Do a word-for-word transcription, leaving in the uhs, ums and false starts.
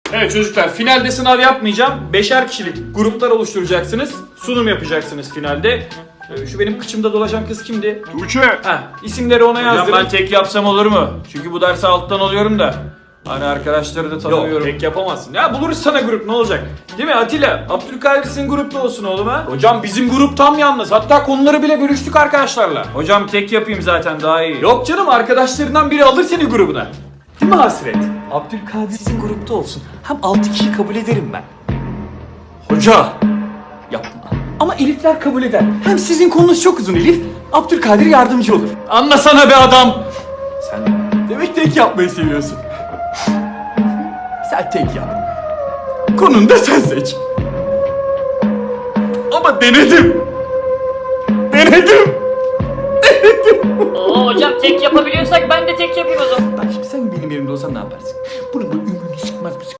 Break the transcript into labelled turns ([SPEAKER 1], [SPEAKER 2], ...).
[SPEAKER 1] Evet çocuklar, finalde sınav yapmayacağım. Beşer kişilik gruplar oluşturacaksınız. Sunum yapacaksınız finalde. Ee, Şu benim kıçımda dolaşan kız kimdi?
[SPEAKER 2] Tuğçe.
[SPEAKER 1] Heh, isimleri ona
[SPEAKER 3] Hocam
[SPEAKER 1] yazdırın.
[SPEAKER 3] ben tek yapsam olur mu? Çünkü bu dersi alttan alıyorum da. Hani arkadaşları da
[SPEAKER 1] Yok,
[SPEAKER 3] tanımıyorum.
[SPEAKER 1] tek yapamazsın. Ya buluruz sana grup, ne olacak? Değil mi Atilla? Abdülkadir sizin grupta olsun oğlum ha.
[SPEAKER 3] Hocam bizim grup tam yalnız. Hatta konuları bile bölüştük arkadaşlarla. Hocam tek yapayım zaten daha iyi.
[SPEAKER 1] Yok canım, arkadaşlarından biri alır seni grubuna. Değil mi Hasret?
[SPEAKER 4] Abdülkadir sizin grupta olsun. Hem altı kişi kabul ederim ben.
[SPEAKER 1] Hoca.
[SPEAKER 4] Yapma. Ama Elifler kabul eder. Hem sizin konunuz çok uzun Elif. Abdülkadir yardımcı olur.
[SPEAKER 1] Anlasana be adam.
[SPEAKER 4] Sen demek tek yapmayı seviyorsun. Sen tek yap. Konunu da sen seç. Ama denedim. Denedim.
[SPEAKER 5] Oo hocam tek yapabiliyorsak ben de tek yapayım o zaman.
[SPEAKER 4] Bak şimdi sen benim yerimde olsan ne yaparsın? Bunun bu ümrünü sıkmaz mısın?